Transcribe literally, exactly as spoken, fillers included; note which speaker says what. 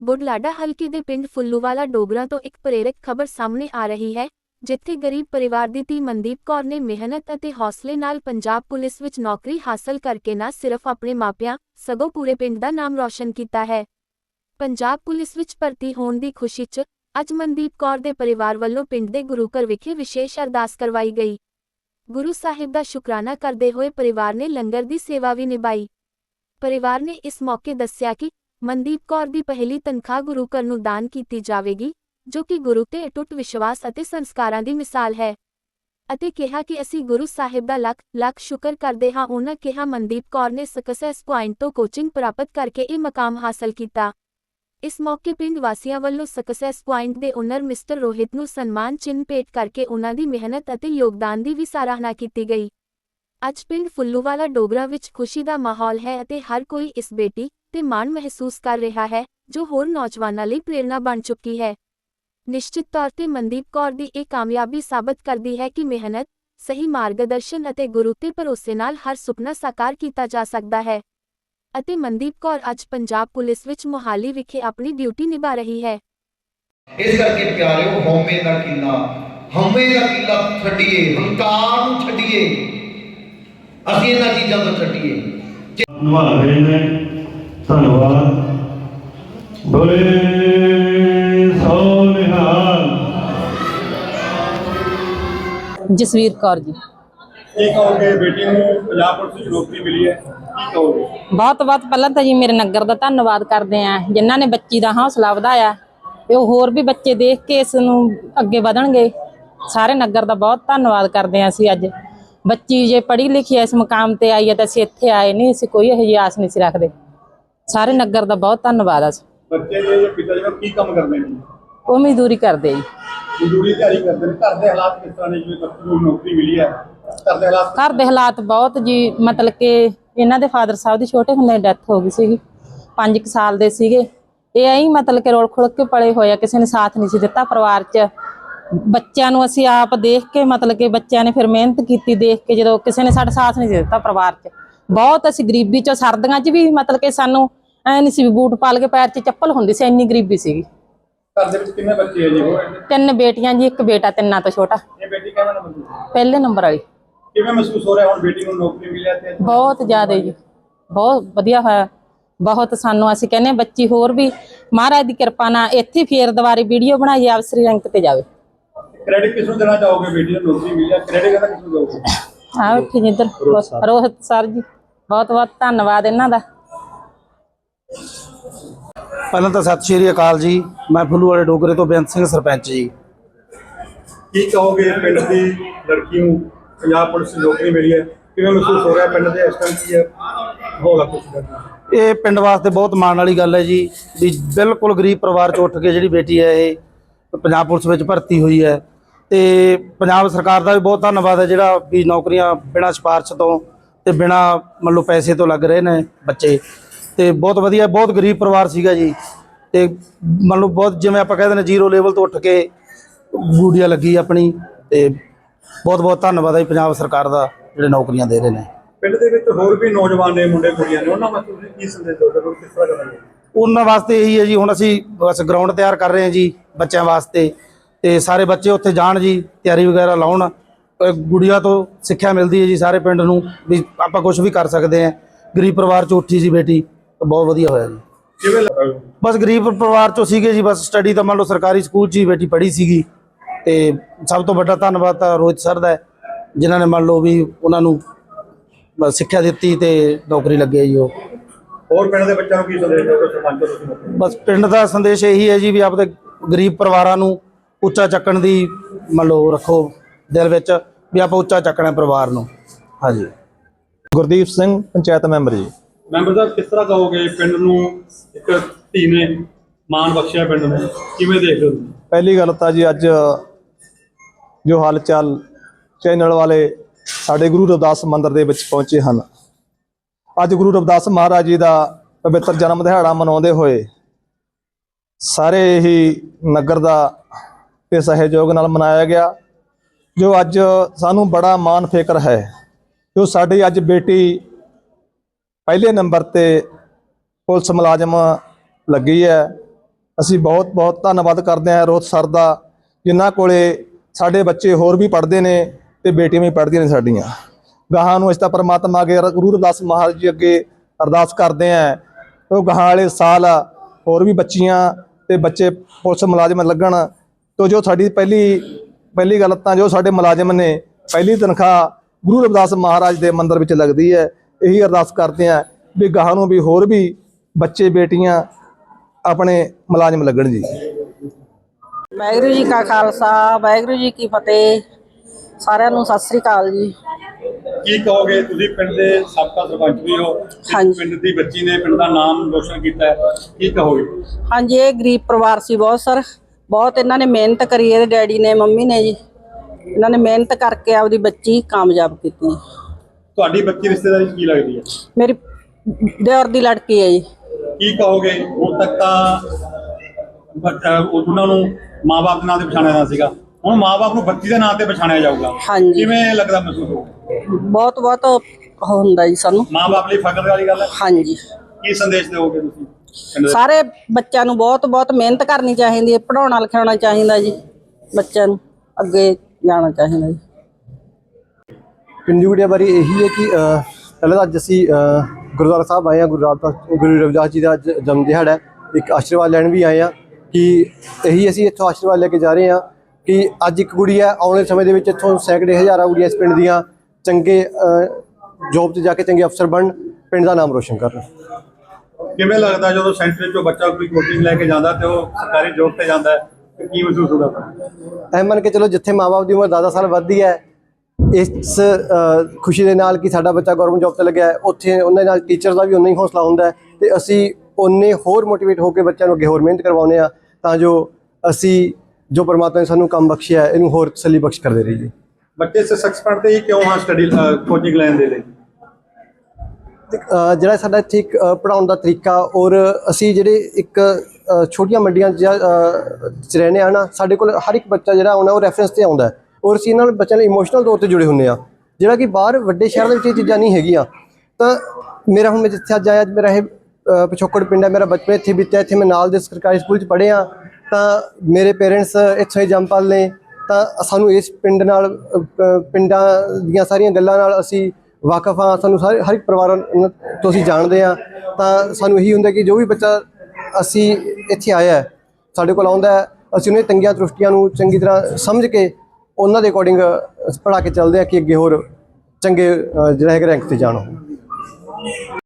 Speaker 1: बुढलाडा हल्के दे पिंड फुल्लूवाला डोगरा तो एक प्रेरक खबर सामने आ रही है, जिथे गरीब परिवार दी धी मनदीप कौर ने मेहनत अते हौसले नाल पंजाब पुलिस विच नौकरी हासिल करके न सिर्फ अपने मापियां सगों पूरे पिंड दा नाम रोशन कीता है। पंजाब पुलिस विच भर्ती होण दी खुशी च अज मनदीप कौर दे परिवार वल्लों पिंड दे गुरुघर विखे विशेष अरदास करवाई गई। गुरु साहिब दा शुकराना करदे होए परिवार ने लंगर दी सेवा भी निभाई। परिवार ने इस मौके दस्सिया कि मनदीप कौर दी पहली तनख्वाह गुरु घर नूं दान कीती जावेगी, जो कि गुरु ते अटुट विश्वास अते संस्कारां दी मिसाल है। अते कहा कि असी गुरु साहिब दा लख लख शुकर करदे हां। उन्हां कहा मनदीप कौर ने सक्सेस पॉइंट तो कोचिंग प्राप्त करके यह मकाम हासिल किया। इस मौके पिंड वासियों वालों सक्सेस पॉइंट के ओनर मिस्टर रोहित नूं सन्मान चिन्ह भेट करके उन्हां दी मेहनत अते योगदान की भी सराहना की गई। अज पिंड फुल्लूवाला डोगरा विच खुशी का माहौल है अते हर कोई इस बेटी ते माण महसूस कर रहा है, जो होर नौजवानों लई प्रेरणा बन चुकी है। निश्चित तौर पर मनदीप कौर दी एक कामयाबी साबित करती है कि मेहनत, सही मार्गदर्शन अते गुरु ते भरोसे नाल हर सुपना साकार किया जा सकता है। अते मनदीप कौर अज पंजाब पुलिस विच मोहाली विखे अपनी ड्यूटी निभा रही है।
Speaker 2: इस करके प्यारिओ हौमे दा किला हौमे दा किला छड्डिए, हंकार नूं छड्डिए, असीं इन्हां चीज़ां तो छड्डिए।
Speaker 3: निभा रहे ने धन्यवाद। बोले सो निहाल।
Speaker 4: जसवीर कौर जी।
Speaker 5: ਕੀ ਕਹੋਗੇ ਬੇਟੀ ਨੂੰ ਪੰਜਾਬ ਪੁਲਿਸ ਵਿੱਚ ਨੌਕਰੀ ਮਿਲੀ ਹੈ, ਕੀ ਕਹੋਗੇ?
Speaker 4: ਬਹੁਤ ਬਹੁਤ ਪਹਿਲਾਂ ਤਾਂ ਜੀ ਮੇਰੇ ਨਗਰ ਦਾ ਧੰਨਵਾਦ ਕਰਦੇ ਆ, ਜਿਨ੍ਹਾਂ ਨੇ ਬੱਚੀ ਦਾ ਹੌਸਲਾ ਵਧਾਇਆ ਤੇ ਉਹ ਹੋਰ ਵੀ ਬੱਚੇ ਦੇਖ ਕੇ ਇਸ ਨੂੰ ਅੱਗੇ ਵਧਣਗੇ। ਸਾਰੇ ਨਗਰ ਦਾ ਬਹੁਤ ਧੰਨਵਾਦ ਕਰਦੇ ਆ। ਅਸੀਂ ਅੱਜ ਬੱਚੀ ਜੇ ਪੜ੍ਹੀ ਲਿਖੀ ਇਸ ਮੁਕਾਮ ਤੇ ਆਈ ਹੈ ਤਾਂ ਅਸੀਂ ਇੱਥੇ ਆਏ ਨਹੀਂ, ਅਸੀਂ ਕੋਈ ਇਹੋ ਜਿਹੀ ਆਸ ਨਹੀਂ ਸੀ ਰੱਖਦੇ। ਸਾਰੇ ਨਗਰ ਦਾ ਬਹੁਤ ਧੰਨਵਾਦ ਆ।
Speaker 5: ਬੱਚੇ ਦੇ ਪਿਤਾ ਜੀ ਕੀ ਕੰਮ ਕਰਦੇ ਨੇ?
Speaker 4: ਉਹ ਮਜ਼ਦੂਰੀ ਕਰਦੇ ਜੀ।
Speaker 5: ਮਜ਼ਦੂਰੀ ਤਿਆਰੀ ਕਰਦੇ ਨੇ। ਘਰ ਦੇ ਹਾਲਾਤ ਕਿਸ ਤਰ੍ਹਾਂ ਨੇ? ਜਿਵੇਂ ਬੱਚੀ ਨੂੰ ਨੌਕਰੀ ਮਿਲੀ ਹੈ, ਘਰ ਦੇ ਹਾਲਾਤ
Speaker 4: ਘਰ ਦੇ ਹਾਲਾਤ ਬਹੁਤ ਜੀ, ਮਤਲਬ ਕਿ ਇਹਨਾਂ ਦੇ ਫਾਦਰ ਸਾਹਿਬ ਦੀ ਛੋਟੇ ਹੁੰਦੇ ਡੈਥ ਹੋ ਗਈ ਸੀਗੀ, ਪੰਜ ਕੁ ਸਾਲ ਦੇ ਸੀਗੇ। ਇਹ ਐਂ ਮਤਲਬ ਕਿ ਰੋਲ ਖੁਲ ਕੇ ਪਲੇ ਹੋਏ ਆ, ਕਿਸੇ ਨੇ ਸਾਥ ਨਹੀਂ ਸੀ ਦਿੱਤਾ ਪਰਿਵਾਰ 'ਚ। ਬੱਚਿਆਂ ਨੂੰ ਅਸੀਂ ਆਪ ਦੇਖ ਕੇ ਮਤਲਬ ਕਿ ਬੱਚਿਆਂ ਨੇ ਫਿਰ ਮਿਹਨਤ ਕੀਤੀ ਦੇਖ ਕੇ, ਜਦੋਂ ਕਿਸੇ ਨੇ ਸਾਡਾ ਸਾਥ ਨਹੀਂ ਸੀ ਦਿੱਤਾ ਪਰਿਵਾਰ 'ਚ। ਬਹੁਤ ਅਸੀਂ ਗਰੀਬੀ 'ਚੋਂ ਸਰਦੀਆਂ 'ਚ ਵੀ ਮਤਲਬ ਕਿ ਸਾਨੂੰ ਐ ਨਹੀਂ ਸੀ ਵੀ ਬੂਟ ਪਾ ਕੇ ਪੈਰ 'ਚ ਚੱਪਲ ਹੁੰਦੀ ਸੀ, ਇੰਨੀ ਗਰੀਬੀ ਸੀਗੀ।
Speaker 5: ਘਰ ਦੇ ਵਿੱਚ ਕਿੰਨੇ ਬੱਚੇ ਹੈ ਜੀ?
Speaker 4: ਤਿੰਨ ਬੇਟੀਆਂ ਜੀ, ਇੱਕ ਬੇਟਾ, ਤਿੰਨਾਂ ਤੋਂ ਛੋਟਾ।
Speaker 5: ਇਹ ਬੇਟੀ ਕਿਵੇਂ ਨੰਬਰ ਦੀ?
Speaker 4: ਪਹਿਲੇ ਨੰਬਰ ਵਾਲੀ।
Speaker 5: ਕਿਵੇਂ ਮਹਿਸੂਸ ਹੋ ਰਿਹਾ ਹੁਣ ਬੇਟੀ ਨੂੰ ਨੌਕਰੀ ਮਿਲੀ ਹੈ ਤੇ?
Speaker 4: ਬਹੁਤ ਜ਼ਿਆਦਾ ਜੀ, ਬਹੁਤ ਵਧੀਆ ਹੋਇਆ। ਬਹੁਤ ਸਾਨੂੰ ਅਸੀਂ ਕਹਿੰਦੇ ਬੱਚੀ ਹੋਰ ਵੀ ਮਹਾਰਾਜ ਦੀ ਕਿਰਪਾ ਨਾਲ ਇੱਥੇ ਫੇਰ ਦੁਬਾਰੇ ਵੀਡੀਓ ਬਣਾਈ ਅਫਸਰੀ ਰੈਂਕ ਤੇ ਜਾਵੇ।
Speaker 5: ਕ੍ਰੈਡਿਟ ਕਿਸ ਨੂੰ ਦੇਣਾ ਚਾਹੋਗੇ? ਬੇਟੀ ਨੂੰ ਨੌਕਰੀ ਮਿਲੀ ਹੈ, ਕ੍ਰੈਡਿਟ ਕਿਹਦਾ ਕਿਸ ਨੂੰ ਦੋਗੇ?
Speaker 4: ਆਹ ਉੱਠੀ ਜਿੱਧਰ ਰੋਹਿਤ ਸਰ ਜੀ, ਬਹੁਤ ਬਹੁਤ ਧੰਨਵਾਦ ਇਹਨਾਂ ਦਾ।
Speaker 6: ਪਹਿਲਾਂ ਤਾਂ ਸਤਿ ਸ਼੍ਰੀ ਅਕਾਲ ਜੀ। ਮੈਂ ਫੁੱਲੂਵਾਲੇ ਡੋਗਰੇ ਤੋਂ ਬੇਅੰਤ ਸਿੰਘ ਸਰਪੰਚ ਜੀ।
Speaker 5: ਕੀ ਕਹੋਗੇ ਪਿੰਡ ਦੀ ਲੜਕੀ ਨੂੰ ਪੰਜਾਬ ਪੁਲਿਸ ਦੀ ਨੌਕਰੀ ਮਿਲੀ ਹੈ, ਕਿਵੇਂ ਮਹਿਸੂਸ ਹੋ ਰਿਹਾ? ਪਿੰਡ ਦੇ ਇਸ ਟਾਈਮ ਕੀ ਹੈ ਮਾਹੌਲ?
Speaker 6: ਇਹ ਪਿੰਡ ਵਾਸਤੇ ਬਹੁਤ ਮਾਣ ਵਾਲੀ ਗੱਲ ਹੈ ਜੀ, ਵੀ ਬਿਲਕੁਲ ਗਰੀਬ ਪਰਿਵਾਰ 'ਚ ਉੱਠ ਕੇ ਜਿਹੜੀ ਬੇਟੀ ਹੈ ਇਹ ਪੰਜਾਬ ਪੁਲਿਸ ਵਿੱਚ ਭਰਤੀ ਹੋਈ ਹੈ। ਤੇ ਪੰਜਾਬ ਸਰਕਾਰ ਦਾ ਵੀ ਬਹੁਤ ਧੰਨਵਾਦ ਹੈ, ਜਿਹੜਾ ਵੀ ਨੌਕਰੀਆਂ ਬਿਨਾਂ ਸਿਫਾਰਿਸ਼ ਤੋਂ ਤੇ ਬਿਨਾਂ ਮੰਨ ਲਓ ਪੈਸੇ ਤੋਂ ਲੱਗ ਰਹੇ ਨੇ ਬੱਚੇ। ਤੇ ਬਹੁਤ ਵਧੀਆ, ਬਹੁਤ ਗਰੀਬ ਪਰਿਵਾਰ ਸੀਗਾ ਜੀ। ਤੇ ਮੰਨ ਲਓ ਬਹੁਤ, ਜਿਵੇਂ ਆਪਾਂ ਕਹਿੰਦੇ ਨੇ, ਜ਼ੀਰੋ ਲੈਵਲ ਤੋਂ ਉੱਠ ਕੇ ਗੁੱਡੀਆ ਲੱਗੀ ਆਪਣੀ। ਤੇ ਬਹੁਤ ਬਹੁਤ ਧੰਨਵਾਦ ਹੈ ਪੰਜਾਬ ਸਰਕਾਰ ਦਾ, ਜਿਹੜੇ ਨੌਕਰੀਆਂ ਦੇ ਰਹੇ ਨੇ। ਪਿੰਡ
Speaker 5: ਦੇ ਵਿੱਚ ਹੋਰ ਵੀ ਨੌਜਵਾਨ ਨੇ, ਮੁੰਡੇ ਕੁੜੀਆਂ ਨੇ, ਉਹਨਾਂ ਵਾਸਤੇ ਤੁਸੀਂ ਕੀ ਸੰਦੇਸ਼ ਦਿਓਗੇ? ਕਿਸ ਤਰ੍ਹਾਂ ਕਰੋਗੇ?
Speaker 6: ਉਹਨਾਂ ਵਾਸਤੇ ਇਹੀ ਹੈ ਜੀ, ਹੁਣ ਅਸੀਂ ਬਸ ਗਰਾਊਂਡ ਤਿਆਰ ਕਰ ਰਹੇ ਹਾਂ ਜੀ ਬੱਚਿਆਂ ਵਾਸਤੇ। ਤੇ ਸਾਰੇ ਬੱਚੇ ਉੱਥੇ ਜਾਣ ਜੀ, ਤਿਆਰੀ ਵਗੈਰਾ ਲਾਉਣ। ਗੁੱਡੀਆ ਤੋਂ ਸਿੱਖਿਆ ਮਿਲਦੀ ਹੈ ਜੀ ਸਾਰੇ ਪਿੰਡ ਨੂੰ, ਵੀ ਆਪਾਂ ਕੁਝ ਵੀ ਕਰ ਸਕਦੇ ਹਾਂ। ਗਰੀਬ ਪਰਿਵਾਰ 'ਚ ਉੱਠੀ ਸੀ ਬੇਟੀ, ਬਹੁਤ ਵਧੀਆ ਹੋਇਆ ਜੀ।
Speaker 5: ਕਿਵੇਂ?
Speaker 6: ਬਸ ਗਰੀਬ ਪਰਿਵਾਰ 'ਚੋਂ ਸੀਗੇ ਜੀ, ਬਸ ਸਟੱਡੀ ਤਾਂ ਮੰਨ ਲਓ ਸਰਕਾਰੀ ਸਕੂਲ 'ਚ ਹੀ ਬੇਟੀ ਪੜ੍ਹੀ ਸੀਗੀ। ਤੇ ਸਭ ਤੋਂ ਵੱਡਾ ਧੰਨਵਾਦ ਤਾਂ ਰੋਹਿਤ ਸਰ ਦਾ, ਜਿਨ੍ਹਾਂ ਨੇ ਮੰਨ ਲਓ ਵੀ ਉਹਨਾਂ ਨੂੰ ਸਿੱਖਿਆ ਦਿੱਤੀ ਤੇ ਨੌਕਰੀ ਲੱਗੇ ਜੀ ਉਹ।
Speaker 5: ਹੋਰ ਪਿੰਡ ਦੇ ਬੱਚਿਆਂ ਨੂੰ ਕੀ ਸੰਦੇਸ਼ ਦਿਓਗੇ ਸਰਪੰਚ ਤੁਸੀਂ?
Speaker 6: ਬਸ ਪਿੰਡ ਦਾ ਸੰਦੇਸ਼ ਇਹੀ ਹੈ ਜੀ, ਵੀ ਆਪਦੇ ਗਰੀਬ ਪਰਿਵਾਰਾਂ ਨੂੰ ਉੱਚਾ ਚੱਕਣ ਦੀ ਮੰਨ ਲਓ ਰੱਖੋ ਦਿਲ ਵਿੱਚ, ਵੀ ਆਪਾਂ ਉੱਚਾ ਚੱਕਣਾ ਪਰਿਵਾਰ ਨੂੰ। ਹਾਂਜੀ।
Speaker 7: ਗੁਰਦੀਪ ਸਿੰਘ, ਪੰਚਾਇਤ ਮੈਂਬਰ ਜੀ।
Speaker 5: ਮੈਂਬਰ ਸਾਹਿਬ, ਕਿਸ ਤਰ੍ਹਾਂ ਕਹੋਗੇ ਪਿੰਡ ਨੂੰ ਇੱਕ ਧੀ ਨੇ ਮਾਣ ਬਖਸ਼ਿਆ, ਪਿੰਡ ਨੂੰ ਕਿਵੇਂ ਦੇਖਦੇ ਹੋ?
Speaker 7: ਪਹਿਲੀ ਗੱਲ ਤਾਂ ਜੀ ਅੱਜ ਜੋ ਹਾਲ ਚਾਲ ਚੈਨਲ ਵਾਲੇ ਸਾਡੇ ਗੁਰੂ ਰਵਿਦਾਸ ਮੰਦਿਰ ਦੇ ਵਿੱਚ ਪਹੁੰਚੇ ਹਨ। ਅੱਜ ਗੁਰੂ ਰਵਿਦਾਸ ਮਹਾਰਾਜ ਜੀ ਦਾ ਪਵਿੱਤਰ ਜਨਮ ਦਿਹਾੜਾ ਮਨਾਉਂਦੇ ਹੋਏ ਸਾਰੇ ਹੀ ਨਗਰ ਦਾ ਤੇ ਸਹਿਯੋਗ ਨਾਲ ਮਨਾਇਆ ਗਿਆ, ਜੋ ਅੱਜ ਸਾਨੂੰ ਬੜਾ ਮਾਣ ਫਿਕਰ ਹੈ। ਜੋ ਸਾਡੀ ਅੱਜ ਬੇਟੀ ਪਹਿਲੇ ਨੰਬਰ ਤੇ ਪੁਲਿਸ ਮੁਲਾਜ਼ਮ ਲੱਗੀ ਹੈ, ਅਸੀਂ ਬਹੁਤ ਬਹੁਤ ਧੰਨਵਾਦ ਕਰਦੇ ਹਾਂ ਰੋਹਿਤ ਸਰ ਦਾ, ਜਿਨ੍ਹਾਂ ਕੋਲੇ ਸਾਡੇ ਬੱਚੇ ਹੋਰ ਵੀ ਪੜ੍ਹਦੇ ਨੇ ਤੇ ਬੇਟੀਆਂ ਵੀ ਪੜ੍ਹਦੀਆਂ ਨੇ ਸਾਡੀਆਂ। ਗਾਹਾਂ ਨੂੰ ਅਸੀਂ ਤਾਂ ਪਰਮਾਤਮਾ ਅੱਗੇ ਗੁਰੂ ਰਵਿਦਾਸ ਮਹਾਰਾਜ ਜੀ ਅੱਗੇ ਅਰਦਾਸ ਕਰਦੇ ਹਾਂ ਉਹ ਗਾਹਾਂ ਵਾਲੇ ਸਾਲ ਹੋਰ ਵੀ ਬੱਚੀਆਂ ਤੇ ਬੱਚੇ ਪੁਲਿਸ ਮੁਲਾਜ਼ਮ ਲੱਗਣ। ਤੋ ਜੋ ਸਾਡੀ ਪਹਿਲੀ ਪਹਿਲੀ ਗੱਲ ਤਾਂ ਜੋ ਸਾਡੇ ਮੁਲਾਜ਼ਮ ਨੇ ਪਹਿਲੀ ਤਨਖਾਹ ਗੁਰੂ ਰਵਿਦਾਸ ਮਹਾਰਾਜ ਦੇ ਮੰਦਿਰ ਵਿੱਚ ਲੱਗਦੀ ਹੈ। ਇਹੀ ਅਰਦਾਸ ਕਰਦੇ ਹਾਂ ਵੀ ਗਾਹਾਂ ਨੂੰ ਵੀ ਹੋਰ ਵੀ ਬੱਚੇ ਬੇਟੀਆਂ ਆਪਣੇ ਮੁਲਾਜ਼ਮ ਲੱਗਣ ਜੀ।
Speaker 8: ਵਾਹਿਗੁਰੂ ਜੀ ਕਾ ਖਾਲਸਾ, ਵਾਹਿਗੁਰੂ ਜੀ ਕੀ ਫਤਿਹ। ਸਾਰਿਆਂ ਨੂੰ ਸਤਿ ਸ੍ਰੀ ਅਕਾਲ ਜੀ।
Speaker 5: ਕੀ ਕਹੋਗੇ, ਤੁਸੀਂ ਪਿੰਡ ਦੇ ਸਾਬਕਾ ਸਰਪੰਚ ਵੀ ਹੋ,
Speaker 8: ਹਾਂਜੀ।
Speaker 5: ਪਿੰਡ ਦੀ ਬੱਚੀ ਨੇ ਪਿੰਡ ਦਾ ਨਾਮ ਰੋਸ਼ਨ ਕੀਤਾ ਹੈ, ਕੀ ਕਹੋਗੇ?
Speaker 8: ਹਾਂਜੀ, ਇਹ ਗਰੀਬ ਪਰਿਵਾਰ ਸੀ ਬਹੁਤ ਸਰ, ਬਹੁਤ ਇਹਨਾਂ ਨੇ ਮਿਹਨਤ ਕਰੀ, ਇਹਦੇ ਡੈਡੀ ਨੇ ਮੰਮੀ ਨੇ ਜੀ, ਇਹਨਾਂ ਨੇ ਮਿਹਨਤ ਕਰਕੇ ਆਪਦੀ ਬੱਚੀ ਕਾਮਯਾਬ ਕੀਤੀ।
Speaker 5: ਤੁਹਾਡੀ ਬੱਚੀ ਰਿਸ਼ਤੇਦਾਰੀ 'ਚ ਕੀ ਲੱਗਦੀ ਹੈ?
Speaker 8: ਮੇਰੀ ਦਿਓਰ ਦੀ ਲੜਕੀ ਹੈ ਜੀ।
Speaker 5: ਕੀ ਕਹੋਗੇ, ਹੁਣ ਤੱਕ ਤਾਂ ਬੱਚਾ ਉਹਨਾਂ ਨੂੰ ਮਾਂ-ਬਾਪ ਦੇ ਨਾਂ ਤੇ ਪਛਾਣਿਆ ਜਾਂਦਾ ਸੀਗਾ, ਹੁਣ ਮਾਂ-ਬਾਪ ਨੂੰ ਬੱਚੀ ਦੇ ਨਾਂ ਤੇ ਪਛਾਣਿਆ ਜਾਊਗਾ,
Speaker 8: ਹਾਂਜੀ।
Speaker 5: ਕਿਵੇਂ ਲੱਗਦਾ ਮਹਿਸੂਸ ਹੋ?
Speaker 8: ਬਹੁਤ ਬਹੁਤ ਹੁੰਦਾ ਜੀ ਸਾਨੂੰ,
Speaker 5: ਮਾਂ-ਬਾਪ ਲਈ ਫਖਰ ਵਾਲੀ ਗੱਲ ਹੈ।
Speaker 8: ਹਾਂਜੀ।
Speaker 5: ਕੀ ਸੰਦੇਸ਼ ਦਿਓਗੇ ਤੁਸੀਂ ਪਿੰਡ ਦੇ?
Speaker 8: ਸਾਰੇ ਬੱਚਿਆਂ ਨੂੰ ਬਹੁਤ ਬਹੁਤ ਮਿਹਨਤ ਕਰਨੀ ਚਾਹੀਦੀ ਹੈ, ਪੜ੍ਹਾਉਣਾ ਲਿਖਾਉਣਾ ਚਾਹੀਦਾ ਜੀ, ਬੱਚਿਆਂ ਨੂੰ ਅੱਗੇ ਜਾਣਾ ਚਾਹੀਦਾ ਜੀ।
Speaker 9: ਪਿੰਡ ਦੀ ਗੁੜੀਆ ਬਾਰੇ ਇਹੀ ਹੈ ਕਿ ਅ, ਪਹਿਲਾਂ ਤਾਂ ਅੱਜ ਅਸੀਂ ਅ, ਗੁਰਦੁਆਰਾ ਸਾਹਿਬ ਆਏ ਹਾਂ। ਗੁਰੂ ਰਾਮਦਾਸ ਗੁਰੂ ਰਵਿਦਾਸ ਜੀ ਦਾ ਅੱਜ ਜਨਮ ਦਿਹਾੜਾ ਹੈ। ਇੱਕ ਆਸ਼ੀਰਵਾਦ ਲੈਣ ਵੀ ਆਏ ਹਾਂ ਕਿ ਇਹੀ ਅਸੀਂ ਇੱਥੋਂ ਆਸ਼ੀਰਵਾਦ ਲੈ ਕੇ ਜਾ ਰਹੇ ਹਾਂ ਕਿ ਅੱਜ ਇੱਕ ਕੁੜੀ ਹੈ, ਆਉਣ ਵਾਲੇ ਸਮੇਂ ਦੇ ਵਿੱਚ ਇੱਥੋਂ ਸੈਂਕੜੇ ਹਜ਼ਾਰਾਂ ਕੁੜੀਆਂ ਇਸ ਪਿੰਡ ਦੀਆਂ ਚੰਗੇ ਜੋਬ 'ਤੇ ਜਾ ਕੇ ਚੰਗੇ ਅਫਸਰ ਬਣਨ, ਪਿੰਡ ਦਾ ਨਾਮ ਰੋਸ਼ਨ ਕਰਨ।
Speaker 5: ਕਿਵੇਂ ਲੱਗਦਾ ਜਦੋਂ ਸੈਂਟਰ 'ਚੋਂ ਬੱਚਾ ਕੋਈ ਕੋਚਿੰਗ ਲੈ ਕੇ ਜਾਂਦਾ ਤੇ ਉਹ ਸਰਕਾਰੀ ਜੋਬ ਤੇ ਜਾਂਦਾ ਹੈ, ਤੇ ਕੀ ਮਹਿਸੂਸ ਹੁੰਦਾ?
Speaker 9: ਐ ਮੰਨ ਕੇ ਚਲੋ ਜਿੱਥੇ ਮਾਂ-ਬਾਪ ਦੀ ਉਮਰ ਦਸ ਦਸ ਸਾਲ ਵੱਧਦੀ ਹੈ, ਇਸ ਖੁਸ਼ੀ ਦੇ ਨਾਲ ਕਿ ਸਾਡਾ ਬੱਚਾ ਗਵਰਨਮੈਂਟ ਜੋਬ ਤੇ ਲੱਗਿਆ ਹੈ, ਉੱਥੇ ਉਹਨਾਂ ਨਾਲ ਟੀਚਰ ਦਾ ਵੀ ਉਨਾ ਹੀ ਹੌਸਲਾ ਹੁੰਦਾ ਹੈ ਤੇ ਅਸੀਂ ਉਨੇ ਹੋਰ ਮੋਟੀਵੇਟ ਹੋ ਕੇ ਬੱਚਿਆਂ ਨੂੰ ਅੱਗੇ ਹੋਰ ਮਿਹਨਤ ਕਰਵਾਉਂਦੇ ਹਾਂ ਤਾਂ ਜੋ ਅਸੀਂ ਜੋ ਪਰਮਾਤਮਾ ਨੇ ਸਾਨੂੰ ਕੰਮ ਬਖਸ਼ਿਆ ਇਹਨੂੰ ਹੋਰ ਤਸੱਲੀ ਬਖਸ਼ ਕਰਦੇ ਰਹੀਏ।
Speaker 5: ਬੱਚੇ ਸਕਸੈਸ ਪੜ੍ਹਦੇ ਹੀ ਕਿਉਂ ਹਾਂ ਸਟੱਡੀ ਕੋਚਿੰਗ ਲੈਣ ਦੇ ਲਈ?
Speaker 9: ਜਿਹੜਾ ਸਾਡਾ ਇੱਥੇ ਇੱਕ ਪੜ੍ਹਾਉਣ ਦਾ ਤਰੀਕਾ ਔਰ ਅਸੀਂ ਜਿਹੜੇ ਇੱਕ ਛੋਟੀਆਂ ਮੰਡੀਆਂ 'ਚ ਰਹਿੰਦੇ ਹਾਂ ਨਾ, ਸਾਡੇ ਕੋਲ ਹਰ ਇੱਕ ਬੱਚਾ ਜਿਹੜਾ ਆਉਣਾ ਉਹ ਰੈਫਰੈਂਸ 'ਤੇ ਆਉਂਦਾ ਔਰ ਅਸੀਂ ਇਹਨਾਂ ਨਾਲ ਬੱਚਿਆਂ ਨਾਲ ਇਮੋਸ਼ਨਲ ਤੌਰ 'ਤੇ ਜੁੜੇ ਹੁੰਦੇ ਹਾਂ, ਜਿਹੜਾ ਕਿ ਬਾਹਰ ਵੱਡੇ ਸ਼ਹਿਰ ਦੇ ਵਿੱਚ ਇਹ ਚੀਜ਼ਾਂ ਨਹੀਂ ਹੈਗੀਆਂ। ਤਾਂ ਮੇਰਾ ਹੁਣ ਮੈਂ ਜਿੱਥੇ ਅੱਜ ਆਇਆ, ਮੇਰਾ ਇਹ ਪਿਛੋਕੜ ਪਿੰਡ ਹੈ, ਮੇਰਾ ਬਚਪਨ ਇੱਥੇ ਬੀਤਿਆ, ਇੱਥੇ ਮੈਂ ਨਾਲ ਦੇ ਸਰਕਾਰੀ ਸਕੂਲ 'ਚ ਪੜ੍ਹਿਆ, ਤਾਂ ਮੇਰੇ ਪੇਰੈਂਟਸ ਇੱਥੋਂ ਹੀ ਜੰਮਪਲ ਨੇ, ਤਾਂ ਸਾਨੂੰ ਇਸ ਪਿੰਡ ਨਾਲ ਪਿੰਡਾਂ ਦੀਆਂ ਸਾਰੀਆਂ ਗੱਲਾਂ ਨਾਲ ਅਸੀਂ ਵਾਕਫ ਹਾਂ, ਸਾਨੂੰ ਸਾਰੇ ਹਰ ਇੱਕ ਪਰਿਵਾਰਾਂ ਤੋਂ ਅਸੀਂ ਜਾਣਦੇ ਹਾਂ। ਤਾਂ ਸਾਨੂੰ ਇਹੀ ਹੁੰਦਾ ਕਿ ਜੋ ਵੀ ਬੱਚਾ ਅਸੀਂ ਇੱਥੇ ਆਇਆ ਸਾਡੇ ਕੋਲ ਆਉਂਦਾ ਹੈ, ਅਸੀਂ ਉਹਨਾਂ ਤੰਗੀਆਂ ਦ੍ਰਿਸ਼ਟੀਆਂ ਨੂੰ ਚੰਗੀ ਤਰ੍ਹਾਂ ਸਮਝ ਕੇ ਉਹਨਾਂ ਦੇ ਅਕੋਰਡਿੰਗ ਪੜ੍ਹਾ ਕੇ ਚੱਲਦੇ ਹਾਂ ਕਿ ਅੱਗੇ ਹੋਰ ਚੰਗੇ ਜਿਹੜਾ ਹੈਗਾ ਰੈਂਕ 'ਤੇ ਜਾਣ।